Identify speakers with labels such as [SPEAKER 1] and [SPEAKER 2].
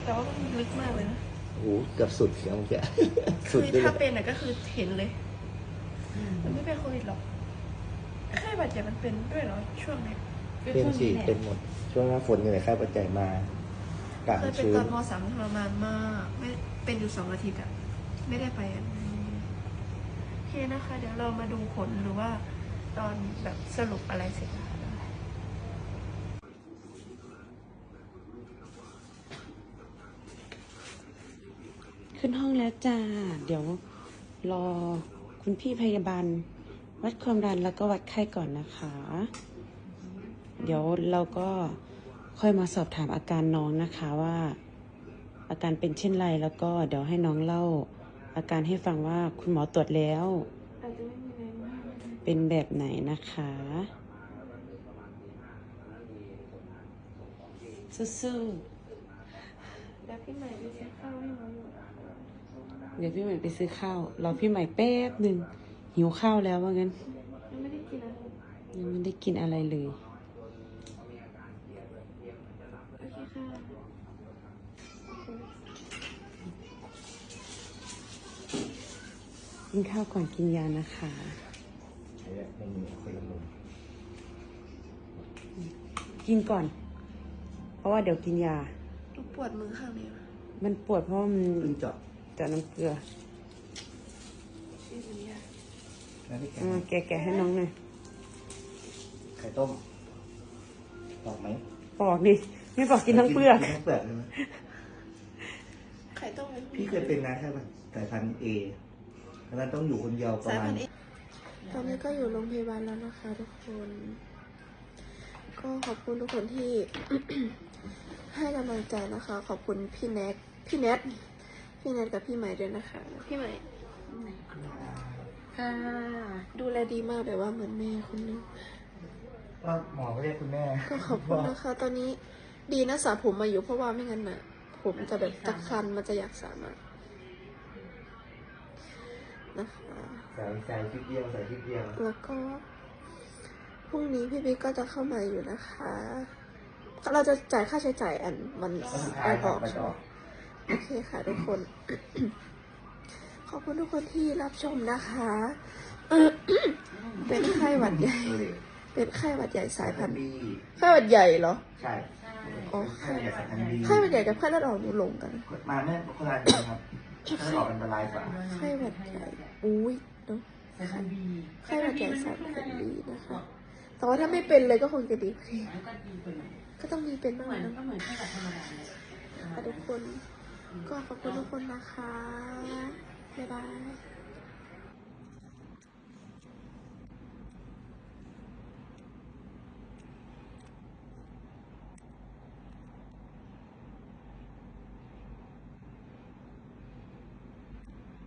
[SPEAKER 1] แต่ว่ามันลึกมากเลยนะ
[SPEAKER 2] โอ้โหเกือบสุดเสียงเมื่อกี้
[SPEAKER 1] คื
[SPEAKER 2] สุด
[SPEAKER 1] อ
[SPEAKER 2] เลย
[SPEAKER 1] ถ้าเป็นก็คือเห็นเลย มันไม่เป็นโควิดหรอกไข้หวัดใหญ่มันเป็นด้วยเหรอช่วงนี้
[SPEAKER 2] เป็นสิเป็นหมด ช่วงหน้าฝนนี่แหละไข้ปัจจัยมากาศ
[SPEAKER 1] เคยเป็น
[SPEAKER 2] ชื้น
[SPEAKER 1] ตอนม.3ทรมานมากไม่เป็นอยู่2 อาทิตย์อะไม่ได้ไปอะโอเคนะคะ เดี๋ยวเรามาดูผลหรือว่าตอนแบบสรุปอะไรเสร็จนะคะ
[SPEAKER 3] ขึ้นห้องแล้วจ้า เดี๋ยวรอคุณพี่พยาบาลวัดความดันแล้วก็วัดไข้ก่อนนะคะ เดี๋ยวเราก็ค่อยมาสอบถามอาการน้องนะคะว่า อาการเป็นเช่นไรแล้วก็เดี๋ยวให้น้องเล่า อาการให้ฟังว่าคุณหมอตรวจแล้ว
[SPEAKER 1] อาจจะไม่มีแรงมาก
[SPEAKER 3] เป็นแบบไหนนะคะสู้ๆ
[SPEAKER 1] แล้วพี่ใหม่ไปซื้อข้าวให้น้องอยู่นะคะ
[SPEAKER 3] เดี๋ยวพี่ใหม่ไปซื้อข้าวรอพี่ใหม่แป๊บหนึ่งหิวข้าวแล้วว่างั้น
[SPEAKER 1] ยังไม่ได้กินอะไร
[SPEAKER 3] ยังไม่ได้กินอะไรเลย
[SPEAKER 1] โอเคค่ะ
[SPEAKER 3] กินข้าวก่อนกินยานะคะ
[SPEAKER 2] ไม่มีคนละมุม
[SPEAKER 3] กินก่อน เพราะว่าเดี๋ยวกินยา
[SPEAKER 1] หนูปวดมือข้างนี้
[SPEAKER 3] มันปวดเพราะว่ามัน
[SPEAKER 2] เพิ่งเจาะ
[SPEAKER 3] เจาะน้ำเกลือ
[SPEAKER 1] ชื่อมันยาก
[SPEAKER 2] แล้วที่แกะ
[SPEAKER 3] แกะให้น้องหน่อย
[SPEAKER 2] ไข่ต้มตอกไหม
[SPEAKER 3] ปอกดิไม่ปอกกินทั้งเปลือก
[SPEAKER 2] กินทั้งเปลือกใช่ไหม
[SPEAKER 1] ไข่ต้ม
[SPEAKER 2] พี่เคยเป็นนะแค่สายพันธุ์เอแล้วมันต้องอยู่คนเดียวประ
[SPEAKER 1] สาย
[SPEAKER 2] มา
[SPEAKER 1] พั
[SPEAKER 2] ณ
[SPEAKER 1] นธุ์เอตอนนี้ก็อยู่โรงพยาบาลแล้วนะคะทุกคน ก็ขอบคุณทุกคนที่ ให้กำลังใจนะคะ ขอบคุณพี่แนทกับพี่ใหม่ด้วยนะคะ พี่ใหม่
[SPEAKER 3] ค่ะ
[SPEAKER 1] ดูแลดีมากแบบว่าเหมือนแม่คนนึง
[SPEAKER 2] ก็หมอก็เรียกคุณแม่
[SPEAKER 1] ก็ขอบคุณนะคะ ตอนนี้ดีนะสระผมมาอยู่เพราะว่าไม่งั้นน่ะ ผมจะแบบตะคันมันจะอยากสระมากนะคะ
[SPEAKER 2] ใส่คลิปเดียวใส่คลิปเดียว
[SPEAKER 1] แล้วก็พรุ่งนี้พี่บิ๊กก็จะเข้ามาอยู่นะคะ เราจะจ่ายค่าใช้จ่ายวัน
[SPEAKER 2] แล้วสุดท้า
[SPEAKER 1] ไอย อ
[SPEAKER 2] ครั
[SPEAKER 1] อบ ก
[SPEAKER 2] ไป
[SPEAKER 1] ใช่
[SPEAKER 2] ต่
[SPEAKER 1] ไห
[SPEAKER 2] อ
[SPEAKER 1] มโอเคค่ะทุกคน ขอบคุณทุกคนที่รับชมนะคะ เป็นไข้หวัดใหญ่ เป็นไข้หวัดใหญ่สายพันธุ์
[SPEAKER 2] บี
[SPEAKER 1] ไข้หวัดใหญ่เหรอ
[SPEAKER 2] ใช่
[SPEAKER 1] อ๋อ
[SPEAKER 2] ไข้หวัดใหญ่สายพันธุ์บี
[SPEAKER 1] ไข้หวัดใหญ่กับไข้เลือดออกหนูลงกัน
[SPEAKER 2] มาไม่คนละอันครับถ้าออกอันตรายกว่า
[SPEAKER 1] ไข้หวัดใหญ่อุ้ยเนาะไข้หวัดใหญ่สายพันธุ์ดีนะคะ แต่ว่าถ้าไม่เป็นเลยก็คงจะดีกว่านี้ก็ต้องมีเป็นบ้างนะ
[SPEAKER 3] ก็เหมือนแค่แบบธรรมดาเลย
[SPEAKER 1] ค่ะทุกคน ก็ขอบคุณทุกคนนะคะ บ๊ายบาย